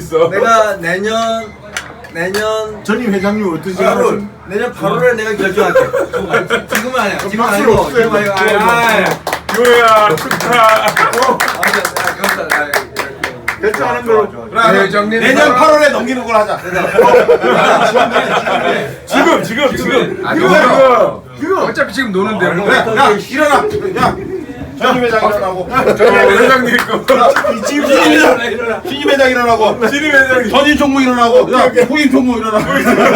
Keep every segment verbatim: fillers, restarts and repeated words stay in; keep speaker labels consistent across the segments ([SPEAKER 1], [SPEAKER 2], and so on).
[SPEAKER 1] 있어.
[SPEAKER 2] 내가 내년 내년
[SPEAKER 3] 전임 회장님 어떤
[SPEAKER 2] 팔 월
[SPEAKER 3] 생각을?
[SPEAKER 2] 내년 팔월에 내가 결정할게. 지금은 아니야. 지금
[SPEAKER 3] 박수를
[SPEAKER 2] 아니고
[SPEAKER 3] 없애요.
[SPEAKER 2] 지금 아니고. 아,
[SPEAKER 1] 요야 축하.
[SPEAKER 3] 결정하는 걸로.
[SPEAKER 1] 네, 회장님.
[SPEAKER 3] 내년 팔월에 넘기는 걸 하자.
[SPEAKER 1] 지금 지금 지금.
[SPEAKER 4] 아,
[SPEAKER 1] 이거
[SPEAKER 4] 이거.
[SPEAKER 1] 이거.
[SPEAKER 4] 어차피 지금 노는데.
[SPEAKER 3] 그래, 야 일어나. 야 전임 회장 일어나고.
[SPEAKER 1] 저기 회장님 거.
[SPEAKER 3] 지금 신임 회장 신임 회장 일어나고.
[SPEAKER 1] 신임 회장님.
[SPEAKER 3] 전임 총무 일어나고. 야 후임 총무 일어나고.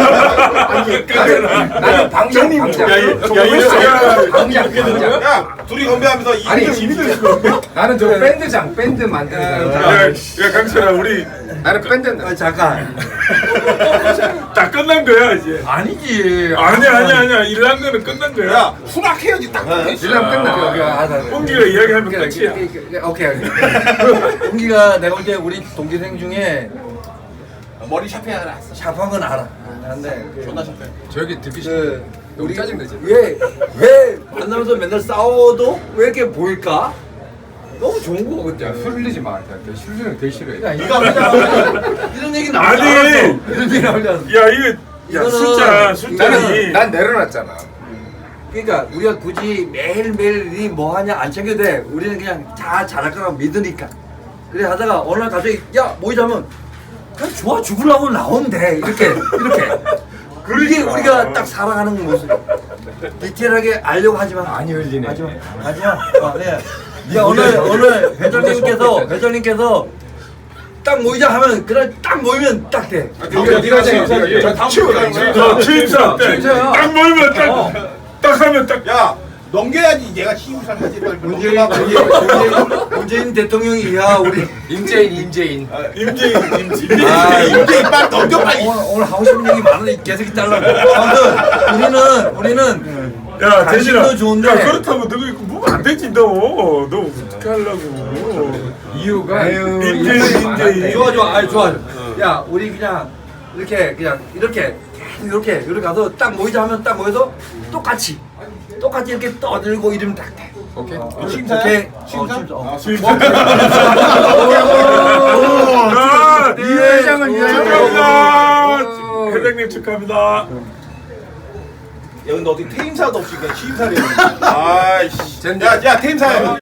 [SPEAKER 4] 나는 방장 방장.
[SPEAKER 1] 야, 이- 야, 이거
[SPEAKER 4] 방장 방장.
[SPEAKER 3] 야 둘이 건배하면서
[SPEAKER 4] 아니,
[SPEAKER 3] 이름
[SPEAKER 4] 나는 저 밴드장 밴드 만드는 사람.
[SPEAKER 1] 야, 야 강철아 우리
[SPEAKER 4] 나는 밴드.
[SPEAKER 2] 아, 잠깐.
[SPEAKER 1] 다 끝난 거야 이제.
[SPEAKER 2] 아니지.
[SPEAKER 1] 아니 아니 아니야. 일한 거는 끝난 거야.
[SPEAKER 3] 야 수락해야지 딱.
[SPEAKER 4] 일하면 끝나.
[SPEAKER 1] 홍기가 이야기하면 끝이야.
[SPEAKER 4] 오케이.
[SPEAKER 2] 동기가 내가 볼 때 우리 동기생 중에
[SPEAKER 3] 머리 샵해야 알아.
[SPEAKER 2] 샵한 건 알아. 근데 그,
[SPEAKER 3] 존나 샵해.
[SPEAKER 4] 저기 듣기 싫어.
[SPEAKER 2] 그
[SPEAKER 4] 우리 짜증내지.
[SPEAKER 2] 왜왜 만나면서 맨날 싸워도 왜 이렇게 보일까? 너무 좋은 거
[SPEAKER 4] 야,
[SPEAKER 2] 같아.
[SPEAKER 4] 술 흘리지 마. 술리는 되게 싫어해.
[SPEAKER 2] 이거 이런 얘기 나오지
[SPEAKER 1] 아니.
[SPEAKER 2] 않았어. 이런 얘기 나오지 않았어.
[SPEAKER 1] 야 이거 야
[SPEAKER 2] 이거는-
[SPEAKER 1] 숫자 숫자니.
[SPEAKER 4] 나는 난 내려놨잖아.
[SPEAKER 2] 그러니까 우리가 굳이 매일매일 뭐 하냐 안 챙겨도 돼. 우리는 그냥 다 잘할 거라고 믿으니까. 그래 하다가 어느 날 갑자기 야 모이자면 그냥 좋아 죽으려고 나온대. 이렇게 이렇게. 그게 우리가 딱 살아가는 모습. 디테일하게 알려고 하지만
[SPEAKER 4] 많이 흘리네.
[SPEAKER 2] 하지마 하지마. 어, 네. 야 오늘 오늘 회장님께서 회장님께서 딱 모이자 하면 그날 딱 모이면 딱 돼.
[SPEAKER 4] 네가 네가 제
[SPEAKER 3] 저 다음
[SPEAKER 1] 저 취임사 때
[SPEAKER 4] 취임사야.
[SPEAKER 1] 딱 모이면 딱 딱 하면 딱.
[SPEAKER 3] 야 넘겨야지 얘가 취임사를 하지.
[SPEAKER 2] 문재인 문재인 문재인 대통령이 야 우리
[SPEAKER 4] 임재인 임재인.
[SPEAKER 1] 임재인 임재인.
[SPEAKER 3] 아 임대인 빨리 넘겨 빨리.
[SPEAKER 2] 오늘, 오늘 하고 싶은 얘기 많은데 계속 잘라. 아무튼 우리는 우리는
[SPEAKER 1] 야
[SPEAKER 2] 당신도
[SPEAKER 1] 대신아.
[SPEAKER 2] 좋은데.
[SPEAKER 1] 야 그렇다고 너 이거 뭐면 안 되지 너. 너 어떻게 하려고.
[SPEAKER 4] 이유가
[SPEAKER 1] 임재인 임재인.
[SPEAKER 2] 좋아 좋아 아니 좋아. 야 우리 그냥 이렇게 그냥 이렇게 계속 이렇게 이렇게 가서 딱 모이자 하면 딱 모여서 똑같이 똑같이 이렇게 떠들고 이러면 딱 돼.
[SPEAKER 4] 오케이.
[SPEAKER 3] 취임사야?
[SPEAKER 2] 오케이.
[SPEAKER 3] 취임사?
[SPEAKER 2] 어, 취임사. 어.
[SPEAKER 1] 아,
[SPEAKER 4] 이 회장은 이 회장.
[SPEAKER 1] 축하합니다. 회장님 축하합니다.
[SPEAKER 3] 야 근데 어떻게 퇴임사도 없이 그냥 취임사를 해. 아이씨. 야야 퇴임사야.